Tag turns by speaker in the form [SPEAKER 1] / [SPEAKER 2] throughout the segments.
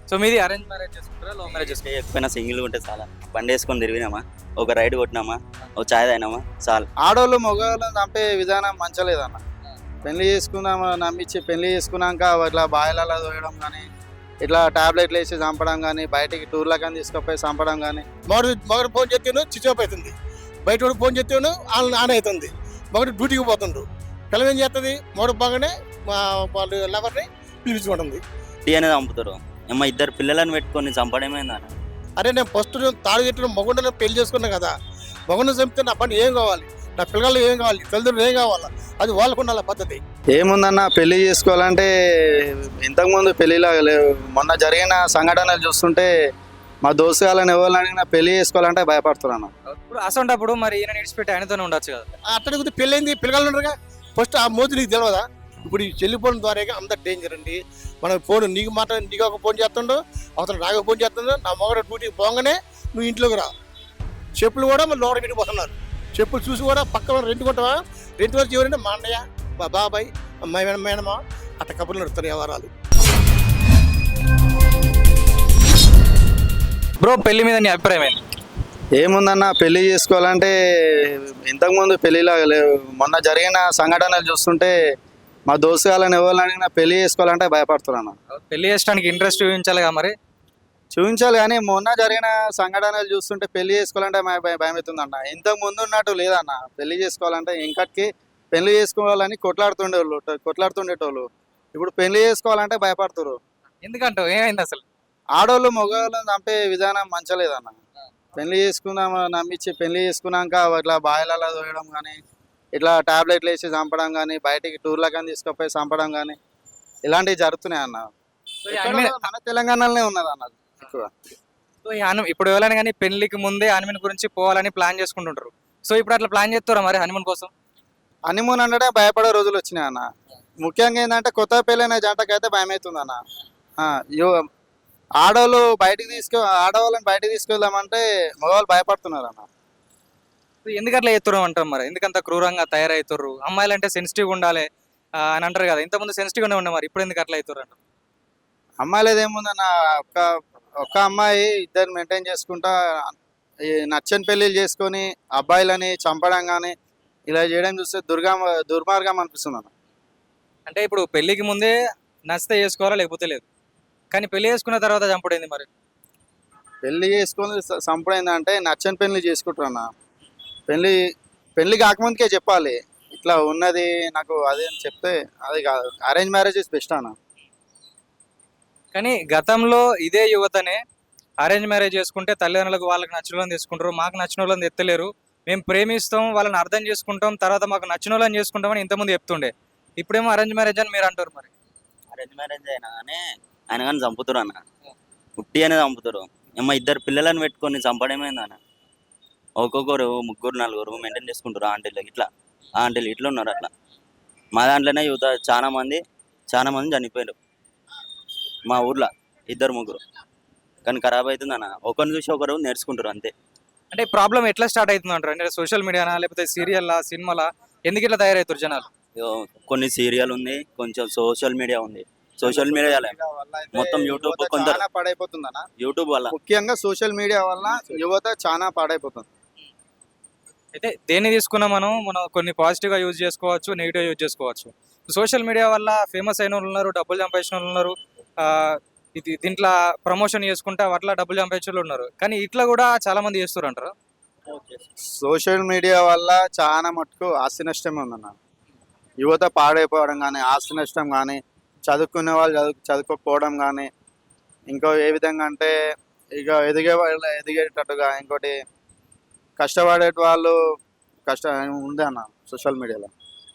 [SPEAKER 1] So మీది arrange marriage చేసుకుంటారా, love marriage చేసుకుంటారా?
[SPEAKER 2] ఎక్కువైనా సింగిల్ ఉంటే చాలా బండి వేసుకొని తిరిగినామా, ఒక రైడ్ కొట్టినామా, ఒక చాయ్ తాగినామా చాలు.
[SPEAKER 3] ఆడవాళ్ళు మగవాళ్ళని చంపే విధానం మంచలేదన్న. పెళ్లి చేసుకుందామా నమ్మించి పెళ్లి చేసుకున్నాక ఇట్లా బాయిలలో తోయడం కానీ, ఇట్లా టాబ్లెట్లు వేసి చంపడం కానీ, బయటికి టూర్లకని తీసుకుపోయి చంపడం కానీ.
[SPEAKER 4] మగడు ఫోన్ చేస్తేను స్విచ్ ఆఫ్ అవుతుంది, బయట వాడు ఫోన్ చేస్తేను ఆన్ అవుతుంది. మగడు డ్యూటీకి పోతుండ్రు, పిల్లలు ఏం చేస్తుంది, మగడు బాగానే వాళ్ళు లవర్ని పిలిపించుకుంటుంది.
[SPEAKER 2] టీ అనేది చంపుతారు. అమ్మ ఇద్దరు పిల్లలను పెట్టుకొని చంపడమేందన్న.
[SPEAKER 4] అరే నేను ఫస్ట్ తాడు కట్టిన మగడు పెళ్లి చేసుకున్నా కదా, మగడు చంపితే నా పని ఏం కావాలి, నా పిల్లలు ఏం కావాలి, తల్లిదండ్రులు ఏం కావాలా, అది వాళ్ళకు ఉండాలి పద్ధతి.
[SPEAKER 3] ఏముందన్న పెళ్లి చేసుకోవాలంటే ఇంతకుముందు పెళ్లిలాగా లేవు. మొన్న జరిగిన సంఘటనలు చూస్తుంటే మా దోస్తు వాళ్ళని ఎవరు అడిగినా పెళ్లి చేసుకోవాలంటే భయపడుతున్నాను.
[SPEAKER 1] ఇప్పుడు అసంటప్పుడు మరి ఈయన విడిచిపెట్టి ఆయనతోనే ఉండొచ్చు కదా.
[SPEAKER 4] అట్టడి కొద్ది పెళ్ళి అయింది, పిల్లలు ఉండరుగా. ఫస్ట్ ఆ మోతి నీకు తెలియదా? ఇప్పుడు ఈ చెల్లిపోవడం ద్వారా అంత డేంజర్ అండి. మనం ఫోన్ నీకు నీకు ఒక ఫోన్ చేస్తుండో, అవతల నాకు ఫోన్ చేస్తుండో, నా మొగడ డ్యూటీకి పోగానే నువ్వు ఇంట్లోకి రా. చెప్పులు కూడా మళ్ళీ లోడ పెట్టి పోతున్నారు. చెప్పులు చూసి కూడా పక్కన రెంట్ కొట్టవా, రెంట్ వరకు ఎవరంటే మా అన్నయ్య, మా బాబాయ్, మా మేనమా అట్ట కబుర్లు నడుస్తారు వ్యవహారాలు.
[SPEAKER 1] బ్రో పెళ్లి మీద నీ అభిప్రాయం ఏంటి?
[SPEAKER 3] ఏముందన్న పెళ్లి చేసుకోవాలంటే ఇంతకుముందు పెళ్లిలాగా లేవు. మొన్న జరిగిన సంఘటనలు చూస్తుంటే మా దోస్తు వాళ్ళని ఎవరు అడిగినా పెళ్లి చేసుకోవాలంటే భయపడుతున్నాను.
[SPEAKER 1] పెళ్లి చేసుకోవడానికి ఇంట్రెస్ట్ చూపించాలిగా మరి.
[SPEAKER 3] చూపించాలి కానీ మొన్న జరిగిన సంఘటనలు చూస్తుంటే పెళ్లి చేసుకోవాలంటే భయం అవుతుందన్న. ఇంతకు ముందు ఉన్నట్టు లేదన్న. పెళ్లి చేసుకోవాలంటే ఇంకటికి పెళ్లి చేసుకోవాలని కొట్లాడుతుండేటోళ్ళు ఇప్పుడు పెళ్లి చేసుకోవాలంటే భయపడుతున్నారు.
[SPEAKER 1] ఎందుకంటే ఏమైంది అసలు?
[SPEAKER 3] ఆడవాళ్ళు మగవాళ్ళని చంపే విధానం మంచలేదన్న. పెళ్లి చేసుకుందామా నమ్మించి పెళ్లి చేసుకున్నాక ఇట్లా బాయిలలో తోయడం కానీ, ఇట్లా టాబ్లెట్లు వేసి చంపడం కానీ, బయటికి టూర్లకని తీసుకుపోయి చంపడం కానీ ఇలాంటివి జరుగుతున్నాయి అన్న.
[SPEAKER 1] సో ఈ ఆమె-
[SPEAKER 3] మన తెలంగాణలోనే ఉన్నది అన్న ఎక్కువ.
[SPEAKER 1] సో ఈ ఇప్పుడు ఎవరైనా కానీ పెళ్లికి ముందే హనీమూన్ గురించి పోవాలని ప్లాన్ చేసుకుంటుంటారు. సో ఇప్పుడు అట్లా ప్లాన్ చేస్తారా మరి హనీమూన్ కోసం?
[SPEAKER 3] హనీమూన్ అంటే భయపడే రోజులు వచ్చినాయి అన్న. ముఖ్యంగా ఏంటంటే కొత్త పెళ్ళైన జంటకైతే భయం అవుతుంది అన్న. ఆడవాళ్ళని బయటికి తీసుకెళ్దామంటే మగవాళ్ళు భయపడుతున్నారు అన్న.
[SPEAKER 1] సో ఎందుకు అట్లా చేస్తారు అంటారు మరి? ఎందుకంత క్రూరంగా తయారవుతారు? అమ్మాయిలు అంటే సెన్సిటివ్ ఉండాలి అని అంటారు కదా. ఇంతకుముందు సెన్సిటివ్గానే ఉండే, మరి ఇప్పుడు ఎందుకు అట్లా అవుతారు అంటారు?
[SPEAKER 3] అమ్మాయిలది ఏముందన్న, ఒక్క అమ్మాయి ఇద్దరు మెయింటైన్ చేసుకుంటా ఈ నచ్చని పెళ్ళిళ్ళు చేసుకొని అబ్బాయిలని చంపడం కానీ ఇలా చేయడం చూస్తే దుర్మార్గం అనిపిస్తుంది అన్న.
[SPEAKER 1] అంటే ఇప్పుడు పెళ్లికి ముందే నచ్చితే చేసుకోవాలా లేకపోతే లేదు, కానీ పెళ్లి చేసుకున్న తర్వాత చంపడైంది మరి.
[SPEAKER 3] పెళ్లి చేసుకొని చంపడైందంటే నచ్చని పెళ్లి చేసుకుంటారు అన్న. పెళ్లి కాకముందుకే చెప్పాలి ఇట్లా ఉన్నది నాకు అదే అని చెప్తే అది కాదు. అరేంజ్ మ్యారేజ్ ఇస్ బెస్ట్ అన్న.
[SPEAKER 1] కానీ గతంలో ఇదే యువతనే అరేంజ్ మ్యారేజ్ చేసుకుంటే తల్లిదండ్రులకు వాళ్ళకి నచ్చిన వాళ్ళని తీసుకుంటారు, మాకు నచ్చిన వాళ్ళని ఎత్తలేరు, మేము ప్రేమిస్తాం, వాళ్ళని అర్థం చేసుకుంటాం, తర్వాత మాకు నచ్చిన వాళ్ళని చేసుకుంటామని ఇంతకుముందు చెప్తుండే. ఇప్పుడేమో అరేంజ్ మ్యారేజ్ అని మీరు అంటారు మరి.
[SPEAKER 2] అరేంజ్ మ్యారేజ్ అయినా కానీ ఆయన కానీ చంపుతారు అన్న. ఉట్టి అనేది చంపుతారు. అమ్మ ఇద్దరు పిల్లలను పెట్టుకొని చంపడమేందన్న. ఒక్కొక్కరు ముగ్గురు నలుగురు మెయింటైన్ చేసుకుంటారు. ఆంటీలు ఇట్లా ఉన్నారు అట్లా. మా దాంట్లోనే యువత చాలా మంది చనిపోయారు మా ఊర్లో, ఇద్దరు ముగ్గురు. కానీ ఖరాబ్ అవుతుంది అన్న. ఒకరిని చూసి ఒకరు నేర్చుకుంటారు అంతే.
[SPEAKER 1] అంటే ప్రాబ్లం ఎట్లా స్టార్ట్ అవుతుంది అంటారు? అంటే సోషల్ మీడియానా లేకపోతే సీరియల్లా సినిమాలా? ఎందుకు ఇట్లా తయారవుతారు జనాలు?
[SPEAKER 2] కొన్ని సీరియల్ ఉంది, కొంచెం సోషల్ మీడియా ఉంది. సోషల్ మీడియా మొత్తం యూట్యూబ్ కొందరు
[SPEAKER 3] చాలా పాడైపోతుంది అన్న.
[SPEAKER 2] యూట్యూబ్ వల్ల,
[SPEAKER 3] ముఖ్యంగా సోషల్ మీడియా వల్ల యువత చాలా పాడైపోతుంది.
[SPEAKER 1] అయితే దేన్ని తీసుకున్నా మనం కొన్ని పాజిటివ్గా యూజ్ చేసుకోవచ్చు, నెగిటివ్గా యూజ్ చేసుకోవచ్చు. సోషల్ మీడియా వల్ల ఫేమస్ అయిన వాళ్ళు ఉన్నారు, డబ్బులు సంపాదించిన వాళ్ళు ఉన్నారు, దీంట్లో ప్రమోషన్ చేసుకుంటా అట్లా డబ్బులు సంపాదించిన వాళ్ళు ఉన్నారు. కానీ ఇట్లా కూడా చాలా మంది చేస్తారు అంటారు.
[SPEAKER 3] సోషల్ మీడియా వల్ల చాలా మటుకు ఆస్తి నష్టమే ఉందన్న. యువత పాడైపోవడం కానీ, ఆస్తి నష్టం కానీ, చదువుకునే వాళ్ళు చదువుకోకపోవడం కానీ, ఇంకో ఏ విధంగా అంటే ఇక ఎదిగేటట్టుగా ఇంకోటి కష్టపడే వాళ్ళు ఉంది అన్న సోషల్ మీడియాలో.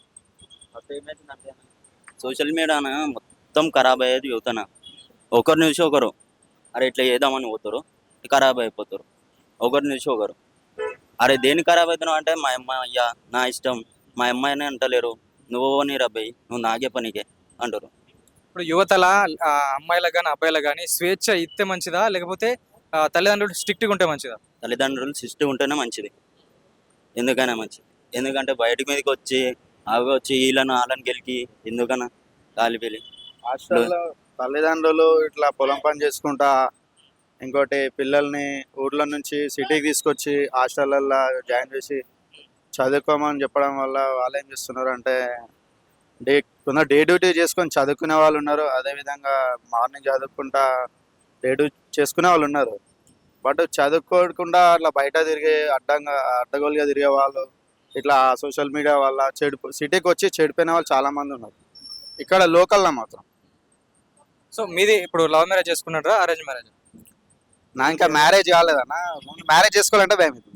[SPEAKER 2] సోషల్ మీడియాన మొత్తం ఖరాబ్ అయ్యేది యువతన. ఒకరిని చూసి ఒకరు అరే ఇట్లా చేద్దామని పోతారు, ఖరాబ్ అయిపోతారు. ఒకరిని చూసి ఒకరు అరే దేనికి ఖరాబ్ అవుతున్నావు అంటే మా అయ్యా నా ఇష్టం, మా అమ్మాయిని అంటలేరు, నువ్వు నీ రబ్బాయి, నువ్వు నాకే పనికే అంటారు.
[SPEAKER 1] ఇప్పుడు యువతల అమ్మాయిలకు కానీ అబ్బాయిలకు కానీ స్వేచ్ఛ ఇస్తే మంచిదా లేకపోతే తల్లిదండ్రులు స్ట్రిక్ట్గా ఉంటే మంచిదా?
[SPEAKER 2] తల్లిదండ్రులు సిస్టమ్ ఉంటేనే మంచిది. ఎందుకైనా మంచిది. ఎందుకంటే బయట మీదకి వచ్చి అవి వచ్చి వీళ్ళను వాళ్ళని గెలికి ఎందుకన్నా గాలి పెళ్ళి
[SPEAKER 3] తల్లిదండ్రులు ఇట్లా పొలం పని చేసుకుంటా, ఇంకోటి పిల్లల్ని ఊర్ల నుంచి సిటీకి తీసుకొచ్చి హాస్టళ్ళల్లో జాయిన్ చేసి చదువుకోమని చెప్పడం వల్ల వాళ్ళు ఏం చేస్తున్నారు అంటే డే కొందరు డే డ్యూటీ చేసుకొని చదువుకునే వాళ్ళు ఉన్నారు. అదేవిధంగా మార్నింగ్ చదువుకుంటా డే డ్యూటీ చేసుకునే వాళ్ళు ఉన్నారు. బట్ చదువుకోకుండా అట్లా బయట తిరిగే అడ్డగోలుగా తిరిగే వాళ్ళు ఇట్లా సోషల్ మీడియా వల్ల సిటీకి వచ్చి చెడిపోయిన వాళ్ళు చాలా మంది ఉన్నారు ఇక్కడ లోకల్లో మాత్రం.
[SPEAKER 1] సో మీది ఇప్పుడు లవ్ మ్యారేజ్ చేసుకున్నారా అరేంజ్ మ్యారేజ్?
[SPEAKER 3] నా ఇంకా మ్యారేజ్ కాలేదన్న, మ్యారేజ్ చేసుకోవాలంటే భయం అవుతుంది.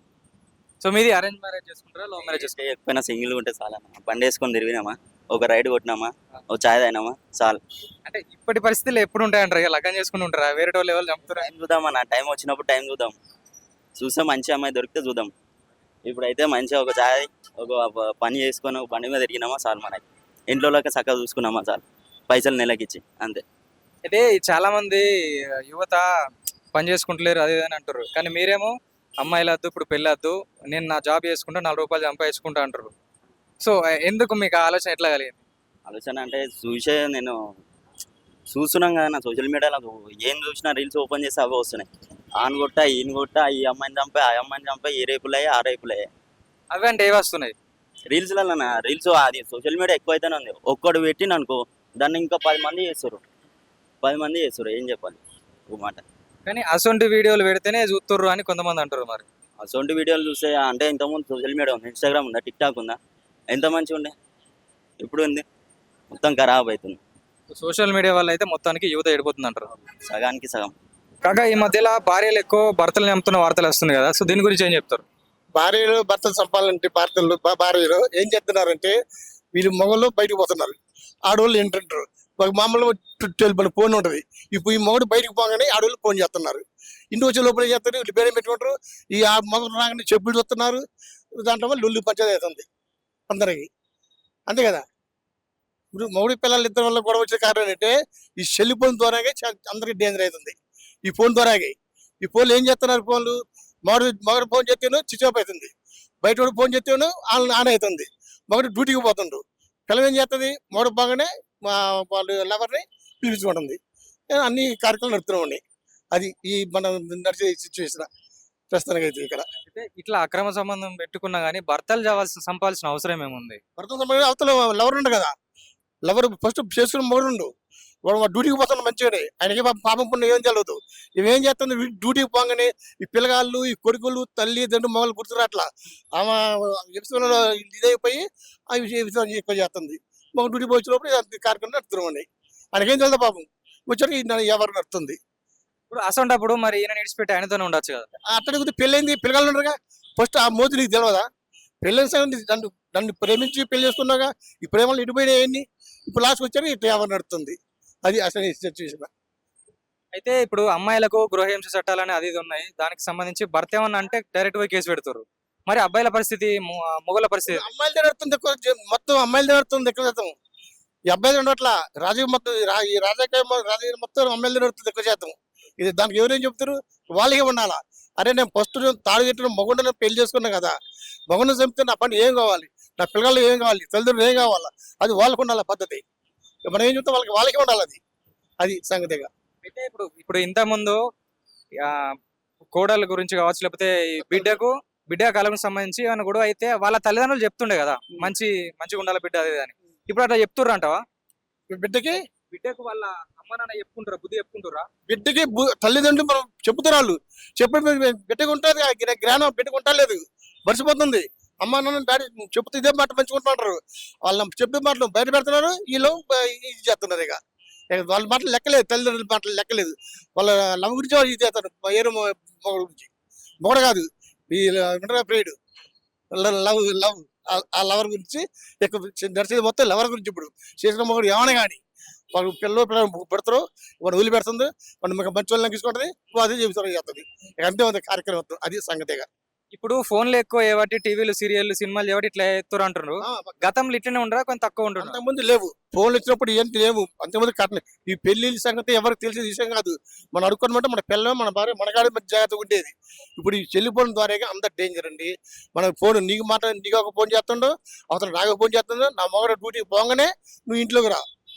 [SPEAKER 1] సో మీది అరేంజ్ మ్యారేజ్ చేసుకుంటారా లవ్ మ్యారేజ్ చేసుకుంటారా?
[SPEAKER 2] ఎక్కువైనా సింగిల్ ఉంటే చాలా బండి వేసుకొని తిరిగినామా, ఒక రైడ్ కొట్టినామా, ఒక చాయ్ తాగినామా చాలు.
[SPEAKER 1] అంటే ఇప్పటి పరిస్థితులు ఎప్పుడు ఉంటాయంటారు? ఇక లగ్గం చేసుకుని ఉంటారా? వేరే వాళ్ళు ఎవరు చంపుతారా?
[SPEAKER 2] టైం చూద్దామన్నా, టైం వచ్చినప్పుడు టైం చూద్దాం. చూస్తే మంచి అమ్మాయి దొరికితే చూద్దాం. ఇప్పుడైతే మంచిగా ఒక చాయ్, ఒక పని చేసుకొని ఒక బండి మీద తిరిగినామా చాలు. మనకి ఇంట్లో చక్కగా చూసుకున్నామా చాలు, పైసలు నెలకిచ్చి అంతే.
[SPEAKER 1] అయితే చాలా మంది యువత పని చేసుకుంటలేరు అది ఇది అని అంటారు, కానీ మీరేమో అమ్మాయిలు వద్దు ఇప్పుడు పెళ్ళి వద్దు, నేను నా జాబ్ చేసుకుంటా 4 రూపాయలు సంపాదించుకుంటా అంటారు. సో ఎందుకు మీకు ఆ ఆలోచన ఎట్లా కలిగింది?
[SPEAKER 2] ఆలోచన అంటే నేను చూస్తున్నాం కదా నా సోషల్ మీడియాలో ఏం చూసినా రీల్స్ ఓపెన్ చేసి అవే వస్తున్నాయి. ఆన్ కొట్టా ఈయన కొట్టా, ఈ అమ్మాయిని చంపా ఆ అమ్మాయిని చంపా, ఈ రేపులయ్యా ఆ రేపులయ్యా.
[SPEAKER 1] అవి అంటే ఏవి వస్తున్నాయి?
[SPEAKER 2] రీల్స్లలో రీల్స్ అది సోషల్ మీడియా ఎక్కువ అయితేనే ఉంది. ఒక్కడు పెట్టిన అనుకో దాన్ని ఇంకా 10 మంది చేస్తారు, 10 మంది చేస్తారు. ఏం చెప్పాలి ఒక మాట.
[SPEAKER 1] కానీ అసొంటి వీడియోలు పెడితేనే చూస్తుర్రు అని కొంతమంది అంటారు. మరి
[SPEAKER 2] అసొంటి వీడియోలు చూస్తే అంటే ఇంతకుముందు సోషల్ మీడియా ఉంది, ఇన్స్టాగ్రామ్ ఉందా, టిక్ టాక్ ఉందా, ఎంత మంచిగా ఉండే, ఇప్పుడు ఉంది మొత్తం ఖరాబ్ అవుతుంది.
[SPEAKER 1] సోషల్ మీడియా వల్ల అయితే మొత్తానికి యువత ఎడిపోతుంది అంటారు.
[SPEAKER 2] సగానికి సగం.
[SPEAKER 1] కాగా ఈ మధ్యలో భార్యలు ఎక్కువ భర్తలు చంపుతున్న వార్తలు వస్తున్నాయి కదా, సో దీని గురించి ఏం చెప్తారు?
[SPEAKER 4] భార్యలు భర్తలు చంపాలంటే భార్యలు ఏం చేస్తున్నారంటే వీళ్ళు మొగలు బయటకు పోతున్నారు, ఆడవాళ్ళు ఏంటంటారు మామూలు ఫోన్ ఉంటుంది. ఇప్పుడు ఈ మొగడు బయటకు పోగానే ఆడవాళ్ళు ఫోన్ చేస్తున్నారు. ఇంటి వచ్చే లోపల ఏం చేస్తారు, వీళ్ళు బేడం పెట్టుకుంటారు. ఈ ఆ మొగడు రాగానే చెప్పులు చూస్తున్నారు. దాంట్లో వల్ల లొల్లి పంచాయతీ అవుతుంది అందరికి, అంతే కదా. ఇప్పుడు మొగుడి పిల్లలు ఇద్దరు వల్ల గొడవ వచ్చే కారణం ఏంటంటే ఈ సెల్ ఫోన్ ద్వారాగే అందరికి డేంజర్ అవుతుంది. ఈ ఫోన్ ద్వారాగే ఈ ఫోన్లు ఏం చేస్తున్నారు, ఫోన్లు మొగడు ఫోన్ చేస్తేనో స్విచ్ ఆఫ్ అవుతుంది, బయట వాడు ఫోన్ చేస్తేనో ఆన్ అవుతుంది. మొగడు డ్యూటీకి పోతుండ్రు, పిల్లలు ఏం చేస్తుంది, మొగడు బాగానే వాళ్ళు లవర్ని పిలుచుకుంటుంది. అన్ని కార్యక్రమాలు నడుపుతున్నామండి. అది ఈ మనం నడిచే సిచ్యువేషన్ ప్రస్తుతానికి అయితే ఇక్కడ.
[SPEAKER 1] అయితే ఇట్లా అక్రమ సంబంధం పెట్టుకున్నా కానీ భర్తలు సంపాల్సిన అవసరం ఏముంది?
[SPEAKER 4] భర్త అవతల లవర్ ఉండు కదా, లవర్ ఫస్ట్ చేసుకున్న మొగడు ఉండు, వాడు డ్యూటీకి పోతున్న మంచిగానే, ఆయనకి పాపం పుణ్యం ఏం తెలియదు. ఇవేం చేస్తుంది, డ్యూటీకి పోగానే ఈ పిల్లగాళ్ళు ఈ కొడుకులు తల్లి తండ్రి మొగలు గుర్తురాట్లా ఆమె విషయంలో ఇదైపోయి ఆ విషయం ఎక్కువ చేస్తుంది. మాకు డ్యూటీ పోయినప్పుడు కార్యక్రమం నడుపుతున్నామండి. ఆయనకేం తెలియదు పాపం, వచ్చరికి ఎవరు నడుతుంది.
[SPEAKER 1] ఇప్పుడు అసంటప్పుడు మరి ఈయన నిడిచిపెట్టి ఆయనతోనే ఉండొచ్చు కదా.
[SPEAKER 4] అట్టడికి పెళ్ళైంది పిల్లగాళ్ళు ఉండరుగా, ఫస్ట్ ఆ మోతి నీకు తెలియదా? పెళ్ళైన సంగతి నన్ను ప్రేమించి పెళ్లి చేసుకున్నాగా, ఈ ప్రేమలు ఇటుపోయినాయన్ని ఇప్పుడు లాస్ట్కి వచ్చారు ఇట్లా ఎవరు నడుతుంది. అది అసలు సిచ్యువేషన్.
[SPEAKER 1] అయితే ఇప్పుడు అమ్మాయిలకు గృహహింస చట్టాలని అది ఇది ఉన్నాయి, దానికి సంబంధించి భర్త ఏమన్నా అంటే డైరెక్ట్ గా కేసు పెడతారు. మరి అబ్బాయిల పరిస్థితి, మొగల పరిస్థితి?
[SPEAKER 4] అమ్మాయిలు నడుతుంది ఎక్కువ, మొత్తం అమ్మాయిలు నడుతుంది ఎక్కువ శాతం. ఈ అబ్బాయిలు ఉండట్లా, రాజకీయ మొత్తం ఈ రాజకీయ మొత్తం అమ్మాయిలు నడుతుంది ఎక్కువ శాతం. ఇది దానికి ఎవరేం చెప్తారు, వాళ్ళకే ఉండాలా. అరే నేను ఫస్ట్ తాడు కట్టిన మగుండ పెళ్లి చేసుకున్నా కదా, మగుండ చంపితే నా పని ఏం కావాలి, నా పిల్లలు ఏం కావాలి, తల్లిదండ్రులు ఏం కావాలా, అది వాళ్ళకు ఉండాలి పద్ధతి. మనం ఏం చెప్తాం వాళ్ళకే ఉండాలి, అది సంగతిగా.
[SPEAKER 1] అయితే ఇప్పుడు ఇంత ముందు కోడల గురించి కావచ్చు, లేకపోతే ఈ బిడ్డ కాలం సంబంధించి ఏమైనా గొడవ అయితే వాళ్ళ తల్లిదండ్రులు చెప్తుండే కదా, మంచిగా ఉండాలి బిడ్డ అది అని. ఇప్పుడు అట్లా చెప్తుర్రు అంటావా? బిడ్డకు వాళ్ళ అమ్మ నాన్న చెప్పుకుంటారా, బుద్ధి చెప్పుకుంటారా?
[SPEAKER 4] బిడ్డకి తల్లిదండ్రులు మనం చెప్తారు, వాళ్ళు చెప్పిన బిడ్డకు ఉంటుంది జ్ఞానం, బిడ్డకు ఉండలేదు, మర్చిపోతుంది. అమ్మ నాన్న డాడీ చెప్తే ఇదే మాట మంచుకుంటున్నారు, వాళ్ళ చెప్పే మాటలు బయట పెడుతున్నారు, వీళ్ళు ఇది చేస్తున్నారు. ఇక వాళ్ళ మాటలు లెక్కలేదు, తల్లిదండ్రుల మాటలు లెక్కలేదు. వాళ్ళ లవ్ గురించి వాళ్ళు ఇది చేస్తారు, ఏరు మొగడు గురించి. మొగడు కాదు, ఈ ప్రియుడు లవ్ ఆ లవర్ గురించి ఎక్కువ నడిచేది మొత్తం లవర్ గురించి. ఇప్పుడు చేసిన మొగడు ఏమైనా కానీ వాళ్ళు పిల్లలు పెడతారు, వాడు వదిలి పెడుతుంది, వాడు మీకు మంచి వాళ్ళని తీసుకుంటుంది, అదే చెబుతారు చేస్తుంది. అంతే ఉంది కార్యక్రమం, అది సంగతిగా.
[SPEAKER 1] ఇప్పుడు ఫోన్లు ఎక్కువ ఏవటి, టీవీలు సీరియల్ సినిమాలు ఏవటి ఇట్లా ఎత్తురు అంటున్నారు. గతంలో ఇట్లనే ఉండరా, కొంచెం తక్కువ ఉంటుంది?
[SPEAKER 4] అంతకుముందు లేవు, ఫోన్లు వచ్చినప్పుడు ఏంటి లేవు. అంతకుముందు కట్న ఈ పెళ్లి సంగతి ఎవరికి తెలిసే విషయం కాదు. మనం అడుక్కోనమాట మన పిల్లలు మన భార్య మనగాడి మధ్య జాగ్రత్తగా ఉండేది. ఇప్పుడు ఈ సెల్ఫోన్ ద్వారా అంత డేంజర్ అండి. మన ఫోన్ నీకు ఒక ఫోన్ చేస్తుండో, అవతల నాకు ఫోన్ చేస్తుండో, నా మొగడ డ్యూటీకి పోగానే నువ్వు ఇంట్లోకి రా,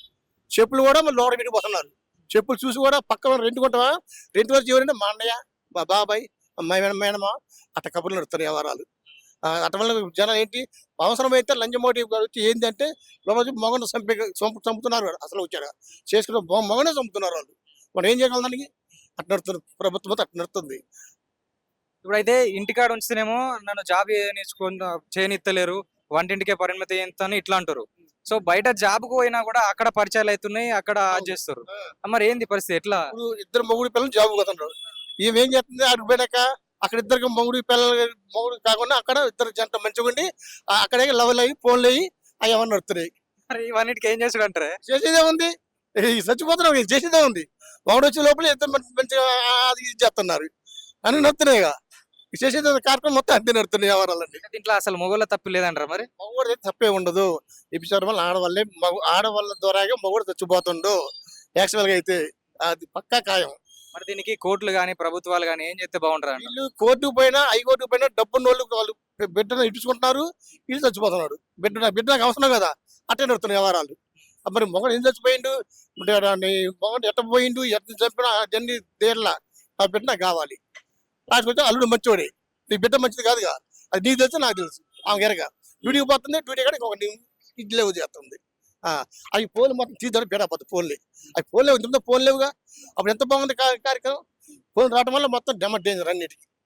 [SPEAKER 4] చెప్పులు కూడా మళ్ళీ లోడ పెట్టిపోతున్నారు. చెప్పులు చూసి కూడా పక్కన రెంట్ కొంటావా, రెంట్ వచ్చి ఎవరంటే మా అన్నయ్య, మా బాబాయ్, మా మేనమా అట్ట కబుర్లు నడుస్తున్నాయి వ్యవహారాలు. అట్ట వల్ల జనాలు ఏంటి, అవసరమైతే లంచమోటి వచ్చి ఏంటంటే రోజు మొగను చంపుతున్నారు. అసలు వచ్చాడు చేసుకున్న మొగనే చంపుతున్నారు వాళ్ళు. మనం ఏం చేయగలం దానికి? అట్ట నడుతుంది ప్రభుత్వం, అట్ట నడుతుంది.
[SPEAKER 1] ఇప్పుడైతే ఇంటికాడ ఉంచితేనేమో నన్ను జాబ్ చేయనిత్తలేరు, వంటింటికే పరిమితి ఎంత అని ఇట్లా అంటారు. సో బయట జాబ్ కు పోయినా కూడా అక్కడ పరిచయాలు అవుతున్నాయి, అక్కడ అది చేస్తారు. మరి ఏంది పరిస్థితి ఎట్లా?
[SPEAKER 4] ఇప్పుడు ఇద్దరు మొగుడు పిల్లలు జాబ్ పోతున్నారు. ఈమె ఏం చేస్తుంది, అటు పోయాక అక్కడ ఇద్దరికి మొగుడు కాకుండా అక్కడ ఇద్దరు జంట మంచిగా ఉండి అక్కడే లెవెల్ అయ్యి ఫోన్లు అయ్యి అవి ఏమన్నా నడుతున్నాయి.
[SPEAKER 1] మరి ఇవన్నిటికి ఏం చేసుడు అంటారే?
[SPEAKER 4] చేసేదే ఉంది, చచ్చిపోతున్నాం, చేసేదే ఉంది. మొగుడు వచ్చే లోపల ఇద్దరు మంచిగా అది ఇది చేస్తున్నారు అని నడుతున్నాయి. చేసేది కార్యక్రమం మొత్తం అంతే నడుతున్నాయి వ్యవహారాలన్నీ.
[SPEAKER 1] దీంట్లో అసలు మొగోళ్ళ తప్పు లేదంటారా మరి?
[SPEAKER 4] మగవాడు అయితే తప్పే ఉండదు. వ్యభిచారం వల్ల ఆడవాళ్ళ ద్వారాగా మగవాడు చచ్చిపోతుండు. యాక్చువల్గా అయితే అది పక్కా ఖాయం.
[SPEAKER 1] మరి దీనికి కోర్టులు గానీ ప్రభుత్వాలు గానీ ఏం చేస్తే బాగుంటారు?
[SPEAKER 4] వీళ్ళు కోర్టుకు పోయినా హైకోర్టుకు పోయినా డబ్బున్న వాళ్ళు బిడ్డను ఇచ్చుకుంటున్నారు, వీళ్ళు చచ్చిపోతున్నాడు. బిడ్డ నాకు అవసరం కదా, అట్టే నడుతున్నాయి వ్యవహారాలు. మరి మొగడు ఏం చచ్చిపోయిండు, మొగడు ఎట్ట పోయిండు, ఎట్ట చంపినా అన్ని దేర్లా నా బిడ్డ నాకు కావాలి. రాసుకొచ్చి అల్లుడు మంచివాడే, నీ బిడ్డ మంచిది కాదుగా, అది నీకు తెలుసు నాకు తెలుసు. ఆమె ఎరగ డ్యూటీకి పోతుంది, డ్యూటీ కాడ ఇంకొక ఇడ్లే చేస్తుంది. అవి ఫోన్లు మొత్తం తీద్దాడు బేడపోతుంది. ఫోన్లే అవి ఫోన్ లేవు, ఇంత ఫోన్ లేవుగా. అప్పుడు ఎంత బాగుంది కార్యక్రమం. ఫోన్ రావడం వల్ల మొత్తం డేంజర్ అన్నిటికీ.